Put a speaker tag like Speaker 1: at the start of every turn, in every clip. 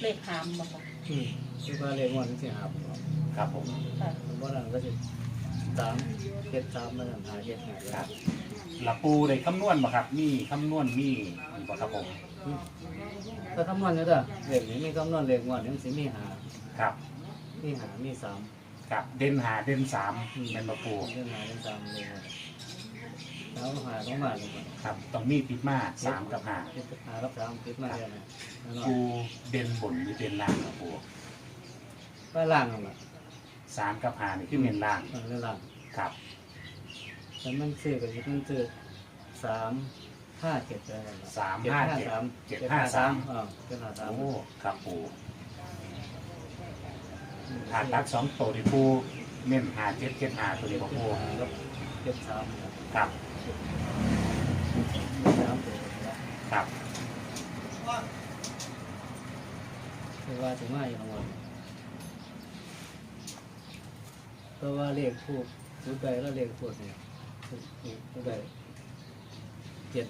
Speaker 1: เลขหามบ่ค่ะ
Speaker 2: คือว่าเลขงวดที่หาผม
Speaker 3: ครับผม
Speaker 2: ผมว่านั่นก็จะ3 7 3มาหาเจ็ดหา
Speaker 3: ครับหลักปูได้คำนวณบ่ครับมีคำนวณมีบ่ครับผม
Speaker 2: ถ้าคำนวณเนี่ยเด้อเลขนี้มีคำนวณเลขงวดนี้มันสิมีหา
Speaker 3: ครับ
Speaker 2: มี3
Speaker 3: ครับเด่นหาเด่นสามเป็นบ่ปู
Speaker 2: เรื่องหาเรื่อง3เลยแล้วหาต้องมาเลย
Speaker 3: ครับต้องมีติดมา3กับ5
Speaker 2: หากับ3ติดมาเดียวนะ
Speaker 3: ปูเด่นบนหรือเด่นล่างครับปู
Speaker 2: ก็ล่างนั่นแหละ
Speaker 3: 3กับ5นี่คือเน้นล่าง
Speaker 2: เรื่องล่าง
Speaker 3: ครับ
Speaker 2: แต่มันซื้อกับมันซื้อ3 5 7อะไรนะ
Speaker 3: โอ้ครับปูหาตัด2ตัวที่ปูเน้น5 7 7 5ตัวนี้บ่ปู
Speaker 2: 73
Speaker 3: ครับ
Speaker 2: 3ตัว
Speaker 3: ครับ
Speaker 2: คือว่าถึงมาอย่างหมดเพราะว่าเลขพูดพูดใดแล้วเลขพูดเนี่ยพูดใด7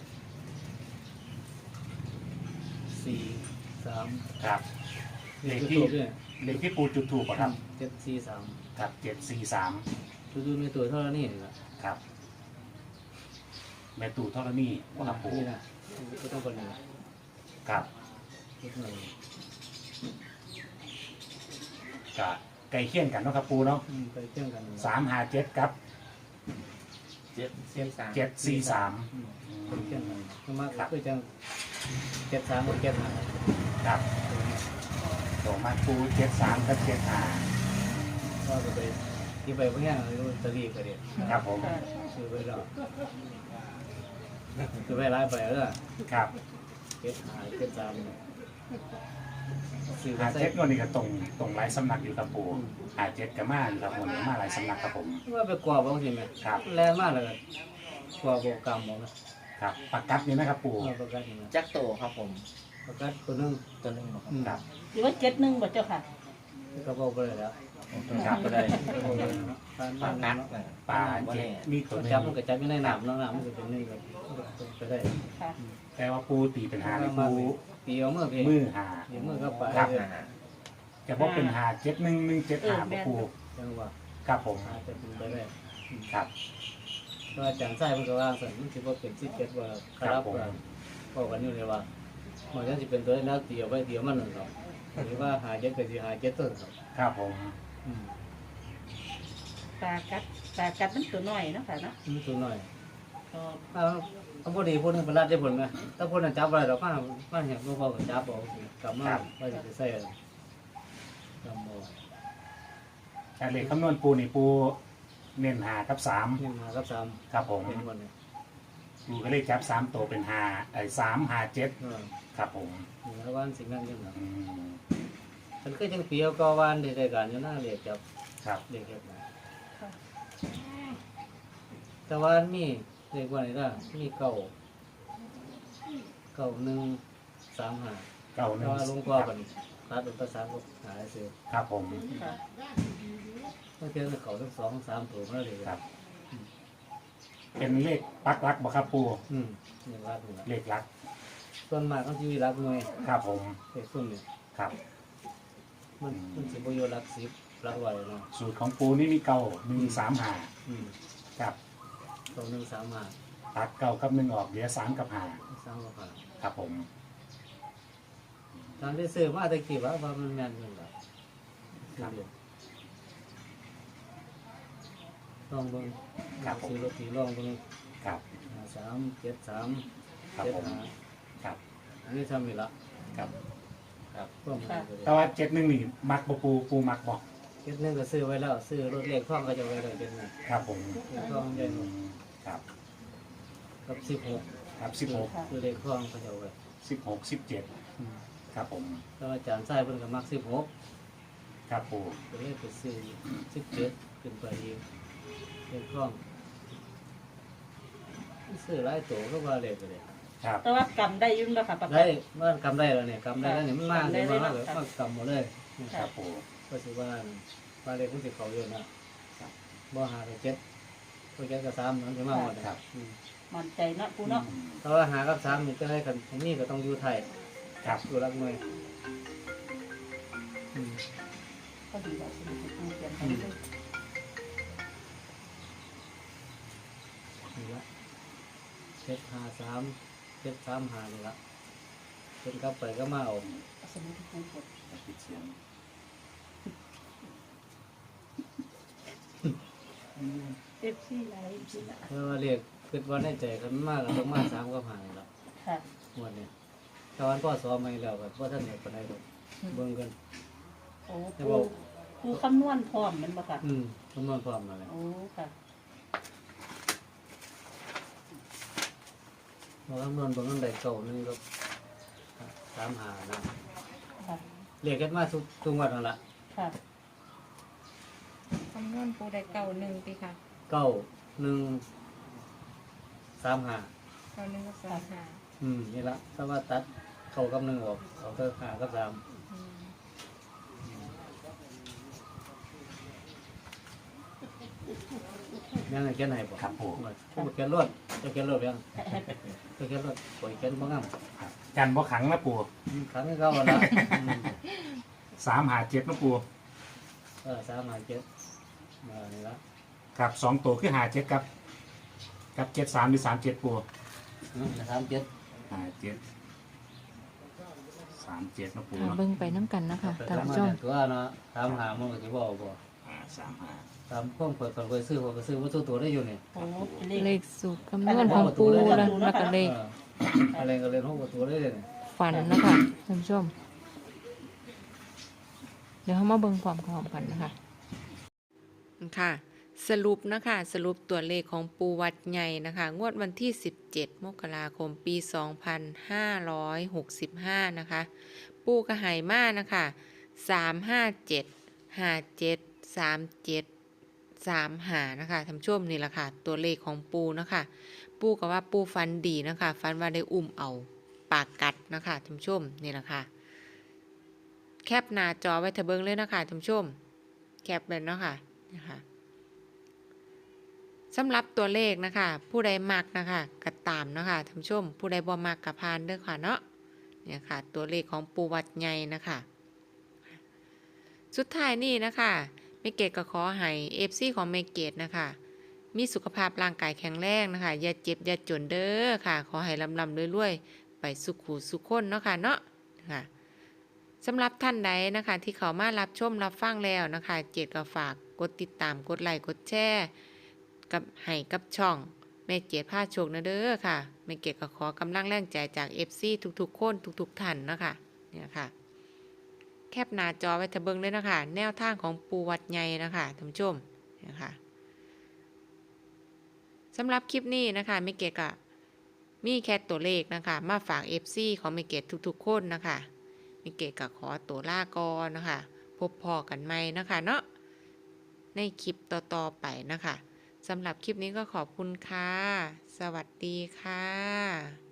Speaker 2: 4 3
Speaker 3: ครับเลขที่ปูจุดถูกครับ
Speaker 2: 7 4 3
Speaker 3: ครับ743
Speaker 2: ดูในตัวเท่านี้นี่แหละ
Speaker 3: ครับแม่ตู่เท่านี้ครับปู
Speaker 2: นี่นะก็ต้องคนนี้
Speaker 3: ครับกะไก่เคี่ยงกันเนาะครับปูเนาะ
Speaker 2: ไปเชื่อมกัน
Speaker 3: 357ครับ743
Speaker 2: เชื่อมกันมาคือจัง73กับ75
Speaker 3: ครับส่งมาปู73กับ75
Speaker 2: ก็ไปที่ไปพวกนี้ตะลีก็เด็ด
Speaker 3: ครับผม
Speaker 2: ซื้อไปแล้วซื้อไปไล่ไปแล้ว
Speaker 3: ครับ
Speaker 2: 73ซื้อไป
Speaker 3: 57วันนี้ก็ตรงหลายสำนักอยู่ครับปู57กับมาอยู่ครับผมมาหลายสำนักครับผม
Speaker 2: ว่าไปกว่าบางทีไหม
Speaker 3: ครับ
Speaker 2: แรงมากเลยกว่าโบกรรมบอก
Speaker 3: นะครับปากกัดนี่นะครับปู
Speaker 2: ปากกัดนี่
Speaker 4: จักโตครับผม
Speaker 2: ปากกัดตัวนึง
Speaker 3: ครับ
Speaker 1: หรือว่า71บ่เจ้าค่ะ
Speaker 2: ก็บอกไปแล้ว
Speaker 3: ครับก็ได้
Speaker 4: ปากกัด
Speaker 3: ปลามีตัวนึง
Speaker 2: จับมันก็จับไม่ได้หนามน้ำมันก็เป็นนี่ก็ได้
Speaker 3: แต่ว่าปูตีเป็นหาปู
Speaker 2: ตีเอามือ
Speaker 3: หา
Speaker 2: มือก็ไป
Speaker 3: จะบอกเป็น57175ปู
Speaker 2: จังหวะ
Speaker 3: ครับผม
Speaker 2: จะเป็นไปได้
Speaker 3: ครับ
Speaker 2: ก็อาจารย์ไส้มันก็ว่าสันมันคิดว่าเป็น17ว่าครับก็กันอยู่เลยว่ามันจะเป็นตัวนักตีเอาไว้เดียวมันหนึ่งครับหรือว่าหา7ก็สิหา7ต้น
Speaker 3: ครับผม
Speaker 1: ปลากัดมันตัวน้อยเนาะค่ะเนาะ
Speaker 2: ตัวน้อยถ้าพอดีพวกนึงเป็นรัดได้ผลไหมถ้าพวกนั้นจับอะไรเราป้าเห็นพวกเขาจับบอกกลับมาว่าจะใส่จำบอก
Speaker 3: แต่เลขคำนวณปูนี่ปูเน้น5กับ3
Speaker 2: เน้น5กับ3
Speaker 3: ครับผมปูก็เลขจับ3ตัวเป็น357ครับผม
Speaker 2: แล้ววันสิ่งนั้นยังไงฉันก็ยังเปียวก็วันได้การอยู่หน้าเรียกจับเรียกแบบแต่วันมีเรียกว่าอะไรล่ะมี1 3 5ลงกว่ากันตัดเป็นภาษาหาเสือ
Speaker 3: ครับผม
Speaker 2: ต้องเจอเขาทั้ง2 3ตัวนั่นเลย
Speaker 3: ครับเป็นเลขปักลักบ่ครับปูเลขลัก
Speaker 2: ส่วนมากต้องชีวิตรักหน่วย
Speaker 3: ครับผม
Speaker 2: เลขส่วนเนี่ย
Speaker 3: ครับ
Speaker 2: มันสิบโยรัก10รักไว้เนาะ
Speaker 3: สูตรของปูนี่มี135ครับ
Speaker 2: 135
Speaker 3: ตัด9กับ1ออกเหลือ3กับ5ครับผม
Speaker 2: ตามที่ซื้อมาตะกี้ว่ามันแม่นอยู่แล้วครับลองเบิ่งซื้อรถถีลองเบิ่ง
Speaker 3: ครับ
Speaker 2: 373
Speaker 3: ครับผมครับ
Speaker 2: อันนี้ทำอีกละ
Speaker 3: ครับ
Speaker 2: แต่
Speaker 3: ว่า71นี่มักบ่ปูมักบ่
Speaker 2: 71ก็ซื้อไว้แล้วซื้อรถเลขท่องก็จะไว้ได้71
Speaker 3: ครับผม
Speaker 2: ท่องใหญ่
Speaker 3: ครับ
Speaker 2: กับ16
Speaker 3: ครับ16
Speaker 2: คือเลขท่องก็จะไว้
Speaker 3: 16 17ครับผม
Speaker 2: แล้วอาจารย์ไส้เพิ่นก็มัก16
Speaker 3: ครับปู
Speaker 2: ก็เลยไปซื้อ17ขึ้นไปอีกเลขท่องซื้อหลายตัวก็ว่าเลขไปเลย
Speaker 1: แต่ว่ากำได้ยุ่งแล้วค่ะ
Speaker 2: ได้ว่ากำได้แล้วเนี่ยกำได้แล้วเนี่ยมันมากเลยมากเลยมากกำหมดเลย
Speaker 3: ครับปู
Speaker 2: ก็ถือว่าเลขมันสิเขาเยอะนะบ่หากับ7ก็7กับ3มันสิมาหมด
Speaker 3: ครับ
Speaker 1: มั่นใจเนาะปูเนาะ
Speaker 2: แต่ว่าหากับ3นี่ก็ให้กันนี่ก็ต้องอยู่ไทย
Speaker 3: ครับ
Speaker 2: อยู่รักหน่วยอืม
Speaker 1: ก็ดีแล้วสมุดให้ปูเขียนให้เลย
Speaker 2: นี่ละ753 735นี่ละเป็นกลับไปก็มาเอา
Speaker 1: เอาสมุดให้ปูกด
Speaker 3: ปิดเสียง
Speaker 1: เอฟซีไลท์ที่ละ
Speaker 2: เพราะว่าเรียกคิดว่าในใจกันมากก็ต้องมา3กับ5นี่ละ
Speaker 1: ค่ะ
Speaker 2: งวดนี้ตอนพ่อสอนมาแล้วก็บ่ทันได้ปานใดดอกเบิ่งกัน
Speaker 1: โอ้
Speaker 2: แต่
Speaker 1: ปู
Speaker 2: ว่า
Speaker 1: ปูคำนวณพร้อมแมันบ่ค่ะ
Speaker 2: คำนวณพร้อมมาแล้ว
Speaker 1: โอ้ค่ะ
Speaker 2: บ่คำนวณเบิ่งอันใดเก่านึงก็35นะ
Speaker 1: ค่ะ
Speaker 2: เรียกกันมาทุกงวดนั่นล่ะ
Speaker 1: ค่ะ
Speaker 5: คำนวณปูได้เก่าหนึ่งปีค่ะ
Speaker 2: 9 1 3 5
Speaker 5: เก่าหนึ่งกับสามห้า
Speaker 2: นี่ละถ้าว่าตัดเข้ากับ1ออกเอาเท่า5กับ3
Speaker 5: อืม
Speaker 2: ยังไงเขียนให้บ่
Speaker 3: ครับปู
Speaker 2: ผู้เขียนรวดจะเขียนรวดยังจะเขียนรวดปล่อยเขียนบ่งาม
Speaker 3: ครับกันบ่ขังนะปู
Speaker 2: ครั้งเก่าละ
Speaker 3: 357นะปู
Speaker 2: 3 5 7นี่ละ
Speaker 3: ครับ2ตัวคือ57กับ73หรือ37ปู
Speaker 2: 37
Speaker 3: 57 37นะปู
Speaker 6: ค่ะ
Speaker 3: เนาะ
Speaker 6: เบิ่งไปน้ำกันนะคะ
Speaker 2: แต่
Speaker 6: ท่าน
Speaker 2: ทำ
Speaker 6: ผู้
Speaker 2: มา
Speaker 6: ชม
Speaker 2: เนี่ยตัวเนาะ35มันก็สิบ่บ่
Speaker 3: 35
Speaker 2: ตามพวกเปิดไปซื้อผมก็ซื้อวัตถุตัวได้อยู่นี่
Speaker 1: โอ้
Speaker 6: เลขสูตรคำนวณของปูแล้วแล้วก็เลข
Speaker 2: อะไรก็เรียนห้องประตูได้เลยนี่
Speaker 6: ฝันนะคะท่านผู้ชม เดี๋ยวเรามาเบิ่งความกันนะคะค่ะ สรุปนะคะสรุปตัวเลขของปูวัดใหญ่นะคะ งวดวันที่ 17 มกราคม ปี 2565 นะคะ ปูกระหายมานะคะ357 57 37 35นะคะท่านผู้ชมนี่แหละค่ะ ตัวเลขของปูนะคะ ปูก็ว่าปูฟันดีนะคะฟันว่าได้อุ้มเอาปากกัดนะคะท่านผู้ชมนี่แหละค่ะ แคปหน้าจอไว้ทะเบิงเลยนะคะท่านผู้ชม แคปเลยเนาะค่ะนะคะสำหรับตัวเลขนะคะ ผู้ใดมักนะคะก็ตามนะคะท่านผู้ชม ผู้ใดบ่มักก็ผ่านเด้อค่ะเนาะเนี่ยค่ะ ตัวเลขของปูวัดใหญ่นะคะ สุดท้ายนี่นะคะเมเกตก็ขอให้เอฟซีของเมเกตนะคะมีสุขภาพร่างกายแข็งแรงนะคะอย่าเจ็บอย่าจนเด้อค่ะ ขอให้ลำรวยๆไปสุขูสุขคนเนาะค่ะเนาะค่ะสำหรับท่านใดนะคะที่เขามารับชมรับฟังแล้วนะคะเจตก็ฝากกดติดตามกดไลค์กดแชร์กับให้กับช่องแม่เจตพาโชคนะเด้อค่ะแม่เกตก็ขอกำลังแรงใจจาก FC ทุกๆคนทุกๆท่านนะคะเนี่ยค่ะแคปหน้าจอไว้ทะเบิงเลยนะคะแนวทางของปูวัดใหญ่นะคะท่านผู้ชมนะคะสำหรับคลิปนี้นะคะแม่เกตก็มีแค่ตัวเลขนะคะมาฝาก FC ของแม่เกตทุกๆคนนะคะแม่เกตก็ขอตัวลาก่อนนะคะพบพอกันใหม่นะคะเนาะในคลิปต่อๆไปนะคะสำหรับคลิปนี้ก็ขอบคุณค่ะ สวัสดีค่ะ